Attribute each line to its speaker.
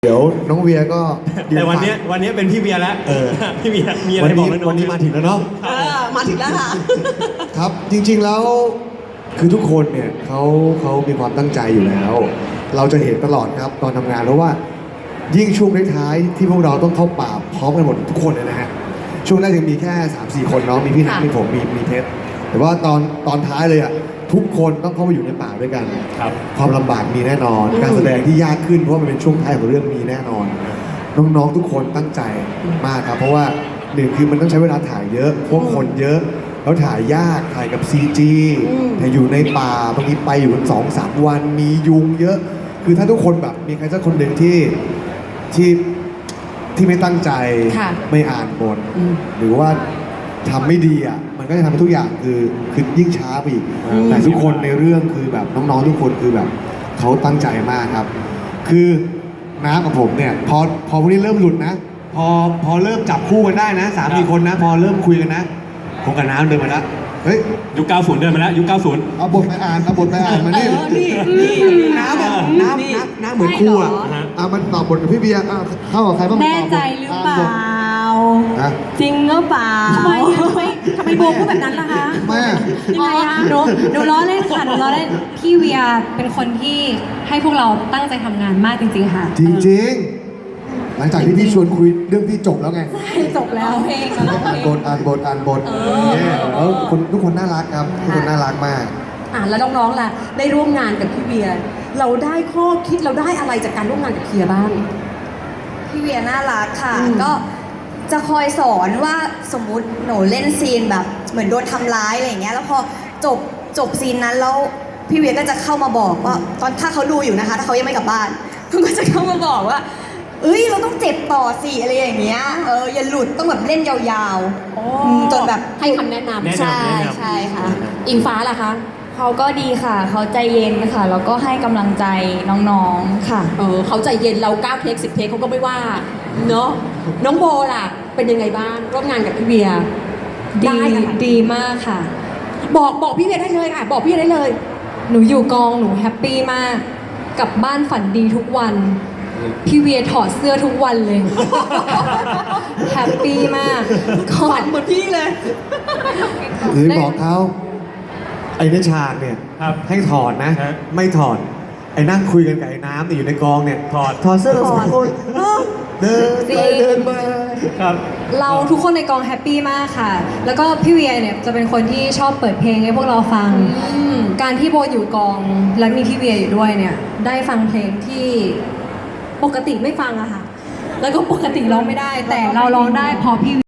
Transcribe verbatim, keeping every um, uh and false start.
Speaker 1: เดี๋ยวน้องเวียก็
Speaker 2: แต่วันนี้วันนี้เป็นพี่เวียแล้ว
Speaker 1: เออ
Speaker 2: พี่เวียมีอะไร
Speaker 1: วัน
Speaker 2: บอก
Speaker 1: นี้
Speaker 2: แล้วน้อง
Speaker 1: วันนี้มาถึงแล้วเนาะ
Speaker 3: เออมาถึงแล้วค่ะ
Speaker 1: ครับจริงๆแล้วคือทุกคนเนี่ยเขาเขามีความตั้งใจอยู่แล้ว เราจะเห็นตลอดครับตอนทำงานเพราะว่ายิ่งช่วงท้ายๆที่พวกเราต้องเข้าป่าพร้อมกันหมดทุกคนเลยนะฮะช่วงแรกยังมีแค่ สามสี่ คนเนาะมีพี่นัท
Speaker 3: ค่ะ
Speaker 1: มีผมมีมีเพชรแต่ว่าตอนตอนท้ายเลยอ่ะทุกคนต้องเข้าไปอยู่ในป่าด้วยกัน
Speaker 2: ครับ
Speaker 1: ความลำบากมีแน่นอน
Speaker 3: อืม
Speaker 1: การแสดงที่ยากขึ้นเพราะว่ามันเป็นช่วงท้ายของเรื่องมีแน่นอน น้องๆทุกคนตั้งใจมากครับ เพราะว่าหนึ่งคือมันต้องใช้เวลาถ่ายเยอะพวกคนเยอะ แล้วถ่ายยากถ่ายกับ ซี จี
Speaker 3: อืม
Speaker 1: แต่อยู่ในป่าบางทีไปอยู่กันสองสามวันมียุงเยอะ คือถ้าทุกคนแบบมีใครสักคนหนึ่งที่ที่ที่ไม่ตั้งใจ
Speaker 3: ค่ะ
Speaker 1: ไม่อ่านบท
Speaker 3: อืม
Speaker 1: หรือว่าทำไม่ดีอ่ะมันก็จะทำให้ทุกอย่างคือคือยิ่งช้าไปอีก
Speaker 2: อืม
Speaker 1: แต่ทุกคนในเรื่องคือแบบน้องๆทุกคนคือแบบเขาตั้งใจมากครับ คือน้ำกับผมเนี่ยพอพอพวกนี้เริ่มหลุดนะ พอพอเริ่มจับคู่กันได้นะสามสี่คนนะ พอเริ่มคุยกันนะผมกับน้ำเดินมาแล้วเฮ้ย
Speaker 2: ยุคเก้าสิบเดินมาแล้วยุคเก้าสิบ
Speaker 1: เอาบทไปอ่านเอาบทไปอ่านมานี่
Speaker 3: เออนี่นี่น้ำแบบน้ำ
Speaker 1: น้ำ
Speaker 3: นี่
Speaker 1: น้ำน้ำเหมือนครูอ่ะ
Speaker 3: ใช่เหรอ
Speaker 1: อ่ะมันตอบบทกับพี่เบียร์อ่ะเข้ากับใครบ้าง
Speaker 4: แน่ใจหรือเปล่า
Speaker 1: ฮะ
Speaker 4: จริงหรือเปล่า
Speaker 3: ทำไมอะทำไมทำไมโบพูดแบบนั้นล่ะคะ
Speaker 1: แม่
Speaker 4: ยังไงอะหนูหนูล้อเล่นค่ะหนูล้อเล่นพี่เวียเป็นคนที่ให้พวกเราตั้งใจทำงานมากจริงๆค่ะ
Speaker 1: จริงๆ หลังจากที่พี่ชวนคุยเรื่องพี่จบแล้วไง
Speaker 4: ให้จบแล้วเพลงกัน
Speaker 1: อ่านบทอ่านบทอ่านบท
Speaker 3: เออ
Speaker 1: เนี่ยแล้วคนทุกคนน่ารักครับทุกคนน่ารักมาก
Speaker 3: อ่ะแล้วน้องๆล่ะได้ร่วมงานกับพี่เบียร์เราได้ข้อคิดเราได้อะไรจากการร่วมงานกับเคียร์บ้าง
Speaker 5: พี่เวียน่ารักค่ะ
Speaker 3: อืม
Speaker 5: ก็จะคอยสอนว่าสมมุติหนูเล่นซีนแบบเหมือนโดนทำร้ายอะไรอย่างเงี้ยแล้วพอจบจบซีนนั้นแล้วพี่เวียก็จะเข้ามาบอกว่าตอนถ้าเขาดูอยู่นะคะ ถ้าเขายังไม่กลับบ้าน เขาก็จะเข้ามาบอกว่า เอ้ยเราต้องเจ็บต่อสิอะไรอย่างเงี้ยเอออย่าหลุดต้องแบบเล่นยาวๆอืมจนแบบ
Speaker 3: ให้คำแนะนำ
Speaker 2: แนะนำ
Speaker 5: ใช่
Speaker 2: แนะนำ
Speaker 5: ใช่ค่ะ
Speaker 3: อิงฟ้าล่ะคะ
Speaker 6: เขาก็ดีค่ะ เขาใจเย็นค่ะ แล้วก็ให้กำลังใจน้องๆ ค่ะ
Speaker 3: เออเขาใจเย็นเราเก้าเทคสิบเทคเขาก็ไม่ว่าเนาะน้องโบล่ะ เป็นยังไงบ้างร่วมงานกับพี่เบียร์
Speaker 4: ดี
Speaker 3: ได้อะไร
Speaker 4: ดีมากค่ะ
Speaker 3: บอกบอกพี่เบียร์ได้เลยค่ะ บอกพี่เบียร์ได้เลย
Speaker 4: หนูอยู่กองหนูแฮปปี้มากกลับบ้านฝันดีทุกวัน พี่เวียถอดเสื้อทุกวันเลย แฮปปี้มากก็
Speaker 3: ฝันเหมือนพี่เลย
Speaker 1: หรือบอกเขาไอ้ในฉากเนี่ย
Speaker 2: ครับ
Speaker 1: ให้ถอดนะ
Speaker 2: ฮะ
Speaker 1: ไม่ถอด ไอ้นั่งคุยกันกับไอ้น้ำเนี่ยอยู่ในกองเนี่ย
Speaker 2: ถอด
Speaker 1: ถอดเสื้อสองคนเดินไปเดินมา
Speaker 2: ครับ
Speaker 4: เราทุกคนในกองแฮปปี้มากค่ะ แล้วก็พี่เวียเนี่ยจะเป็นคนที่ชอบเปิดเพลงให้พวกเราฟัง การที่โบอยู่กองและมีพี่เวียอยู่ด้วยเนี่ยได้ฟังเพลงที่ปกติไม่ฟังอะค่ะ แล้วก็ปกติร้องไม่ได้ แต่เราร้องได้เพอพี่